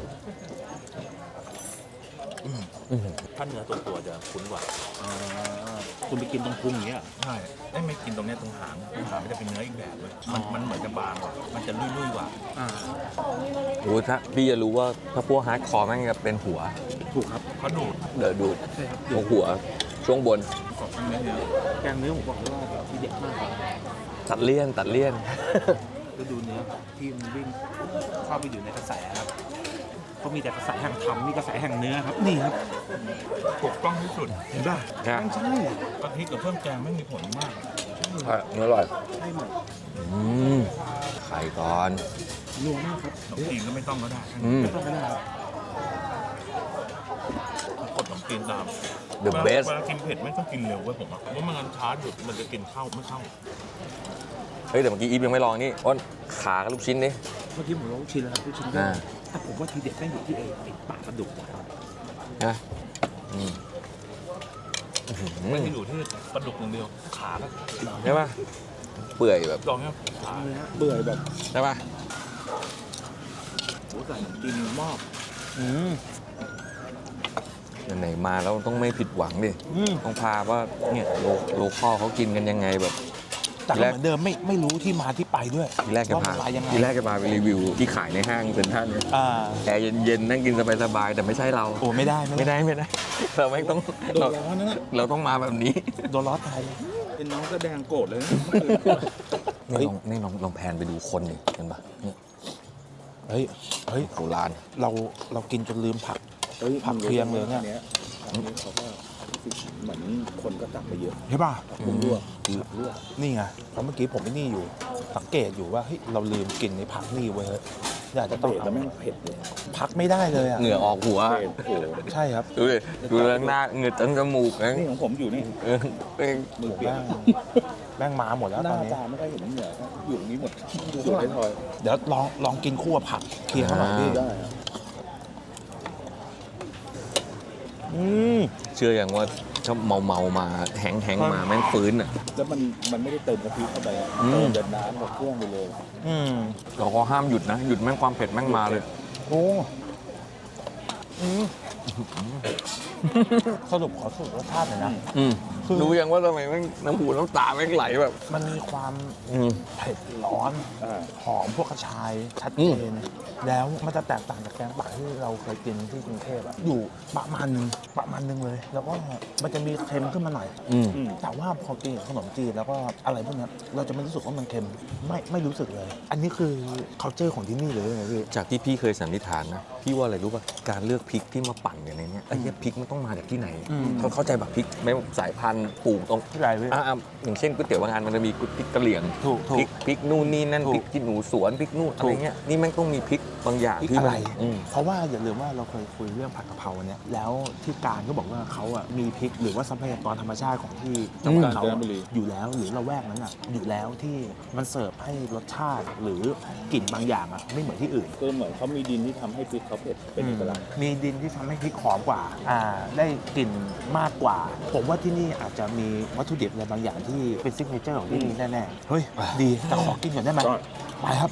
[SPEAKER 7] ถ้าเนื้อตัวจะคุ้นกว่าคุณไปกินตรงพุงอย่างเงี้ยใช่ไม่กินตรงเนี้ยตรงหางมันจะเป็นเนื้ออีกแบบเลยมันเหมือนจะบางกว่ามันจะลุ่ยๆกว่า
[SPEAKER 1] โอ้ถ้าพี่จะรู้ว่าถ้าพวกฮาร์ดคอร์แม่งจะเป็นหัว
[SPEAKER 7] ถูกครับเขาดูด
[SPEAKER 1] เดี๋ยวดูตรงหัวช่วงบน
[SPEAKER 7] กรอบเนื้อแกงเนื้อผมบอกเลยว่าทีเด็ดมากครับ
[SPEAKER 1] ตัดเลี่ยน
[SPEAKER 7] แล้วดูเนื้อที่มันวิ่งเข้าไปอยู่ในกระแสครับก็มีแต่กระแสแห่งธรรมมีกระแสแห่งเนื้อครับนี่ครับถูกต้องที่สุดเห็นป่ะ
[SPEAKER 1] นะ
[SPEAKER 7] ใช่กะทิกับเครื่องแกงไม่มีผลมาก
[SPEAKER 1] เนื้ออร่อย
[SPEAKER 7] ใช่หมด
[SPEAKER 1] ไข่ก่อน
[SPEAKER 7] นัวมากครับขนมจีนก็ไม่ต้องก็ได้
[SPEAKER 1] ไม่
[SPEAKER 7] ต้องก็ได้กดขนมจีนตาม
[SPEAKER 1] The best
[SPEAKER 7] เวลากินเผ็ดไม่ต้องกินเร็วเว้ยผมว่าเพราะมันช้าหยุดมันจะกินข้าวไม่เข้า
[SPEAKER 1] เฮ้ยแต่เมื่อกี้อีฟยังไม่ลองนี่อ้นขากับลูกชิ้นดิ
[SPEAKER 7] เมื่อกี้ผมลองชิมแล้วครับลูกชิ้น
[SPEAKER 1] อ่า
[SPEAKER 7] แต่ผมว่าทีเด็ดแม่งอยู่ที่ไอ้ปากกระดูกนะครับ
[SPEAKER 1] นะ
[SPEAKER 7] ไม่ได้อยู่ที่ปลาดุกอย่างเดียวขาก็
[SPEAKER 1] ใช่ป่ะเปื่อยแบบ
[SPEAKER 7] ลองเนี่ยขาเบื่อแบบ
[SPEAKER 1] ใช่ป่ะ
[SPEAKER 7] โอ้ใส่ขนมจีนมาก
[SPEAKER 1] ไหนๆมาแล้วต้องไม่ผิดหวังดิต้องพาว่าเนี่ยโลคอลเขากินกันยังไงแบบ
[SPEAKER 3] แต่ก็เหมือนเดิมไม่รู้ที่มาที่ไปด้วย
[SPEAKER 1] ทีแรกจะ
[SPEAKER 3] ว่า
[SPEAKER 1] พา
[SPEAKER 3] มันมายังไง
[SPEAKER 1] ทีแรกจะพาไปรีวิวที่ขายในห้างเป็นท่านเนี่ย
[SPEAKER 3] อ่า
[SPEAKER 1] แอร์เย็นๆนั่งกินสบายๆแต่ไม่ใช่เรา
[SPEAKER 3] โอ้ไม่ได้
[SPEAKER 1] ไม่ได้เราไม่ต้อง
[SPEAKER 7] โดนร้อนนะ
[SPEAKER 1] เราต้องมาแบบนี้
[SPEAKER 3] โดนล้อตายเลย
[SPEAKER 7] เป็นน้องก็แดงโกรธเลยนะ
[SPEAKER 1] นี่ลองแพนไปดูคนดิเห็นปะเนี่ย
[SPEAKER 3] เฮ้ย
[SPEAKER 1] โบราณ
[SPEAKER 3] เรากินจนลืมผัก ผักเคียงเลยเนี่ย
[SPEAKER 7] อันนี้เขาก็เหมือนคนก็ตักไปเยอะ
[SPEAKER 3] ใช่ป่ะ
[SPEAKER 7] ผักลวกผักลวก
[SPEAKER 3] นี่ไงเพราะเมื่อกี้ผมไม่นี่อยู่สังเกตอยู่ว่าเฮ้ยเราลืมกินในผักนี่เว้ยอยากจะต้อง
[SPEAKER 7] เผ็ดแล้วแม่งเผ็ดเลย
[SPEAKER 3] พักไม่ได้เลยอ่ะ
[SPEAKER 1] เหงื่อออกหัว
[SPEAKER 7] เผ็ดโอ้โห
[SPEAKER 3] ใช่ครับ
[SPEAKER 1] ดูดิดูเรื่องหน้าเหงื่อตั้งจมูกนะ
[SPEAKER 7] นี่ของผมอยู่นี่
[SPEAKER 1] เออเอง
[SPEAKER 7] มือเปียก
[SPEAKER 3] แม่งมาหมดแล้ว
[SPEAKER 7] ห
[SPEAKER 3] ตอ
[SPEAKER 7] น้าน
[SPEAKER 3] นี้
[SPEAKER 7] ตาไม่ได้เห็นเหงื่อครับอยู่ตรงนี้หมดอยู่ในทอย
[SPEAKER 3] เดี๋ยวลองกินคู่กับผักเคียงเขาหน่อยพี่
[SPEAKER 7] ได้ครับ
[SPEAKER 1] เชื่ออย่างว่าถ้าเมามาแห้งมาแม่งฟื้นอ่ะ
[SPEAKER 7] แล้วมันไม่ได้เติมกะทิเข้าไปอะ
[SPEAKER 1] อืม
[SPEAKER 7] เติมเดินน้ำกับเครื่องไปเลย
[SPEAKER 1] เราก็ห้ามหยุดนะหยุดแม่งความเผ็ดแม่งมาเลย
[SPEAKER 3] โอ้สรุปขอสรุปรสชาติหน่อยนะ คือ
[SPEAKER 1] รู้ยังว่าทำไมแม่งน้ำหูน้ำตาแม่งไหลแบบ
[SPEAKER 3] มันมีความเผ็ดร้อน หอมพวกกระชายชัดเจนแล้วมันจะแตกต่างจากแกงป่าที่เราเคยกินที่กรุงเทพอะอยู่ประมาณนึงเลย แล้วก็มันจะมีเค็มขึ้นมาหน่อยแต่ว่าพอกินกับขนมจีนแล้วก็อะไรพวกเนี้ยเราจะไม่รู้สึกว่ามันเค็มไม่รู้สึกเลย อันนี้คือ culture ของที่นี่เลยไงพี่
[SPEAKER 1] จากที่พี่เคยสันนิษฐานนะพี่ว่าอะไรรู้ป่ะการเลือกพริกที่มาปั่นกันในเนี้ยไอ้เนี่ยพริกมันต้องมาจากที่ไหนเขาเข้าใจแบบพริกไม่สายพันธุ์ปลูกตรง
[SPEAKER 3] ที่ไรพี่
[SPEAKER 1] อย่างเช่นก๋วยเตี๋ยวบางอันมันจะมีพริกกะเหรี่ยง
[SPEAKER 3] ถูก
[SPEAKER 1] พริกนู่นนี่นั่น
[SPEAKER 3] ถูก
[SPEAKER 1] พริกที่หนูสวนพริกนู่นอะไรเงี้ยนี่แม่งต้องมีพริกบางอย่าง
[SPEAKER 3] พริก
[SPEAKER 1] ที่
[SPEAKER 3] อะไร
[SPEAKER 1] มัน
[SPEAKER 3] เพราะว่าอย่าลืมว่าเราเคยคุยเรื่องผัดกะเพราเนี่ยแล้วที่การก็บอกว่าเขาอ่ะมีพริกหรือว่าทรัพยากรธรรมชาติของที่จังหวัดเขาอยู่แล้วหรือละแวกนั้นอ่ะอยู่แล้วที่มันเสิร์ฟให้รสชาติหรือกลิ่นบางอย่างอ่ะไม่เหมือนที่อื่น
[SPEAKER 7] คือเหมือนเขามีดินที่ทำให้พริกเขาเผ็ดเป็นเอกลักษณ์
[SPEAKER 3] มีดินที่ทำให้พริกหอมกว่าได้กลิ่นมากกว่า ผมว่าที่นี่อาจจะมีวัตถุดิบอะไรบางอย่างที่เป็นซิกเนเจอร์ของที่นี่แน่ๆเฮ้ยดีแต่ขอกินก่อนได้ไหมไปครับ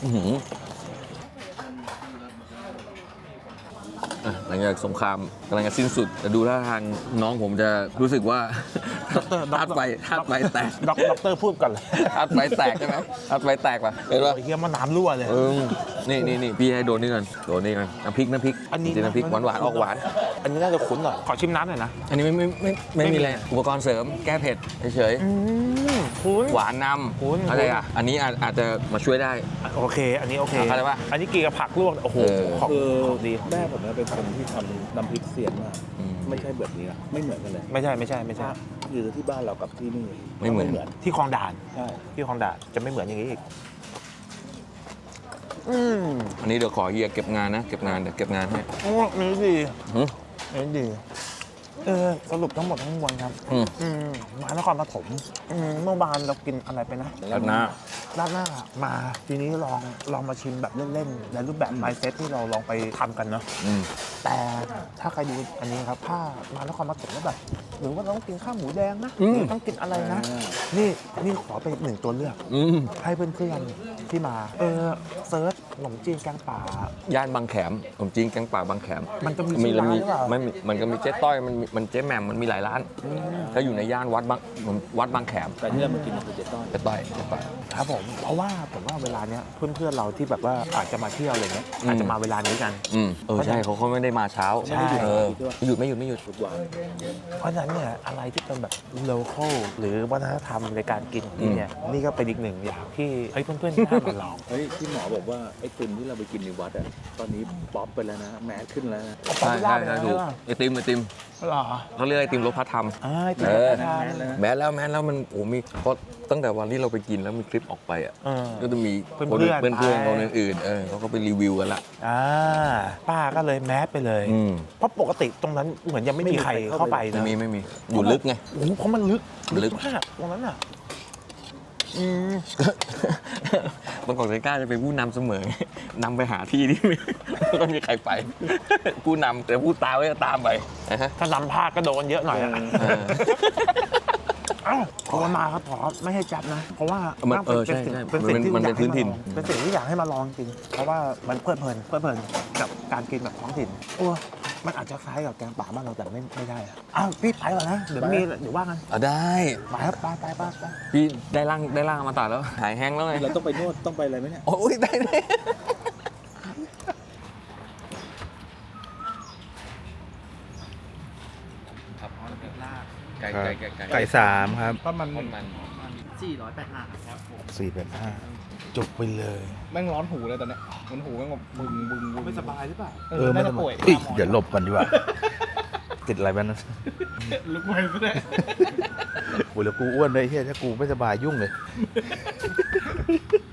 [SPEAKER 1] หลังจากสงครามกำลังจะสิ้นสุดแต่ดูท่าทางน้องผมจะรู้สึกว่าธาตุไฟแตก
[SPEAKER 3] ด็อกเตอร์พูดก่อนเลย
[SPEAKER 1] ธาตุไฟแตกใช่ไหมธาตุไฟแตกป่ะเห็นป่ะ
[SPEAKER 3] โอ้ยเฮียมันน้ำรั่วเลย
[SPEAKER 1] นี่พี่ให้โดนนี่ก่อนโดนนี่ก่อนน้ำพริก
[SPEAKER 3] อันนี้
[SPEAKER 1] จริงๆน้ำพริกหวานออกหวาน
[SPEAKER 3] อันนี้น่าจะคุ้นหน่อยขอชิมน้ำหน่อยนะ
[SPEAKER 1] อันนี้ไม่มีอะไรอุปกรณ์เสริมแก้เผ็ดเฉย
[SPEAKER 3] คุ้น
[SPEAKER 1] ๆหวานน
[SPEAKER 3] คุ้น
[SPEAKER 1] ำอะไรอ่ะอันนี้อาจจะมาช่วยได้
[SPEAKER 3] โอเค อันนี้โอเค
[SPEAKER 1] เข้าใจปะ
[SPEAKER 3] อันนี้กินกับผักลวกโอ้โห ของ
[SPEAKER 7] คือ
[SPEAKER 3] ดี
[SPEAKER 7] แม่ผมเนี่ยเป็นคนที่ทำน้ำพริกเสียนมากไม่ใช่แบบนี้อะไม่เหมือนกันเลย
[SPEAKER 3] ไม่ใช่
[SPEAKER 7] คือที่บ้านเรากับที่นี่
[SPEAKER 1] ไม่เหมือน
[SPEAKER 3] ที่คลองด่าน
[SPEAKER 7] ใช่
[SPEAKER 3] ที่คลองด่านจะไม่เหมือนอย่างนี้อีก
[SPEAKER 1] อันนี้เดี๋ยวขอเฮียเก็บงานนะเก็บงานเดี๋ยวเก็บงานให้
[SPEAKER 3] โอ้อันนี้ดี
[SPEAKER 1] หึ
[SPEAKER 3] อันนี้ดีสรุปทั้งหมดทั้งมวลครับ มานครปฐมเมื่อวานเรากินอะไรไปนะ
[SPEAKER 1] แล้วนะ
[SPEAKER 3] ราดหน้ามาทีนี้ลองมาชิมแบบเล่นๆในรูปแบบ mindset ที่เราลองไปทำกันเนาะแต่ถ้าใครดูอันนี้ครับถ้ามานครปฐมแล้วแบบหรือว่าต้องกินข้าวหมูแดงนะหรือต้องกินอะไรนะ นี่ขอไปหนึ่งตัวเลือกให้เพื่อนๆที่มาเซิร์ชขนมจีนแกงป่า
[SPEAKER 1] ย่านบางแขมผมจริงแกงป่าบางแขม
[SPEAKER 3] มันจะมีชื่อร้านหรือเปล่า
[SPEAKER 1] มันก็มีเจ๊ต้อยมันเจ๊แหม่มมันมีหลายร้านถ้าอยู่ในย่านวัดบางแขม
[SPEAKER 7] แต่ที่เรามากินคือเจ๊ต้อย
[SPEAKER 1] เจ๊ต้อย
[SPEAKER 3] ครับผมเพราะว่าผมว่าเวลาเนี้ยเพื่อนๆเราที่แบบว่าอาจจะมาเที่ยวอะไรเงี้ยอาจจะมาเวลานี้กัน
[SPEAKER 1] ใช่เขาไม่ได้มาเช้า
[SPEAKER 3] ใช่
[SPEAKER 1] ไม่หยุดทุกวัน
[SPEAKER 3] เพราะฉะนั้นเนี่ยอะไรที่เป็นแบบ local หรือวัฒนธรรมในการกินที่เนี่ยนี่ก็เป็นอีกหนึ่งอย่างที่เฮ้ยเพื่อนๆน่ามาลอง
[SPEAKER 7] เฮ้ยที่หมอบอกว่าไอ้ติมที่เราไปกินในวัดอะตอนนี้ป๊อปไปแล้วนะแมสขึ้นแล้วนะ
[SPEAKER 3] เอาป๊อป
[SPEAKER 1] ใช่
[SPEAKER 3] ปูล่า
[SPEAKER 1] ใช่
[SPEAKER 3] ไป
[SPEAKER 1] ถูก
[SPEAKER 3] แล้ว
[SPEAKER 1] ไอติม
[SPEAKER 3] เหรอ
[SPEAKER 1] เขาเรียกไอติมรสพระธรรม
[SPEAKER 3] ที่
[SPEAKER 1] แม้แล้วมันมีเพราะตั้งแต่วันที่เราไปกินแล้วมีคลิปออกไปอ่ะก็จะมีคน
[SPEAKER 3] เพื่อนๆ
[SPEAKER 1] เพื่อนๆคนอื่นๆเขาก็ไปรีวิวกันละ
[SPEAKER 3] ป้าก็เลยแมสไปเลย เพราะปกติตรงนั้นเหมือนยังไม่มีใครเข้าไปนะ
[SPEAKER 1] ไม่มีอยู่ลึกไง
[SPEAKER 3] โอ้โหเพราะมันลึก
[SPEAKER 1] ลึก
[SPEAKER 3] มากตรงนั้นอ่ะ
[SPEAKER 1] บางกอกไทก้าจะเป็นผู้นำเสมอนำไปหาที่ที่ไม่ต้องมีใครไป ผู้นำแต่ผู้ตามก็จะตามไปนะฮะ
[SPEAKER 3] ถ้านำพลาดก็โดนเยอะหน่อยอะ เอ้าขอมาครับขอไม่ให้จับนะ เพราะว่า
[SPEAKER 1] ใช่
[SPEAKER 3] เป็นสิ่งที่
[SPEAKER 1] มันเป็นพื้นถิ่น
[SPEAKER 3] เป็นสิ่งที่อยากให้มาลองจริง เพราะว่ามันเพลิดเพลินกับการกินแบบท้องถิ่นโอ้มันอาจจะคล้ายกับแกงป่าบ้านเราแต่ไม่ได้อะอ้าวพี่ไปก่อนนะเดี๋ยวว่ากัน
[SPEAKER 1] ได้
[SPEAKER 3] ไปครับไป
[SPEAKER 1] พี่ได้ร่างมาตัดแล้วหายแห้งแล้วไง
[SPEAKER 7] เราต้องไปนวดต้องไปอะไรไหมเนี่ย
[SPEAKER 1] โอ้ยได้ครับไก่
[SPEAKER 3] 3 ครับ
[SPEAKER 8] ถ้ามัน
[SPEAKER 5] 485ครับ
[SPEAKER 3] 4-5 จบไปเลย
[SPEAKER 8] แม่งร้อนหูเลยตอนเนี้ยมันหูแม่งแบบบึงไม่สบายหรือเปล่า
[SPEAKER 3] ไม่
[SPEAKER 8] น่า
[SPEAKER 3] ต้
[SPEAKER 8] จะ
[SPEAKER 3] อง
[SPEAKER 8] ป่วย
[SPEAKER 3] เดี๋ยวหลบก่อนดีกว่า ติดอะไรบ้างนะ
[SPEAKER 8] ลุกไปซะเลย
[SPEAKER 3] โอ้ยแล้วกูอ้วนเลยเฮียถ้ากูไม่สบายยุ่งเลย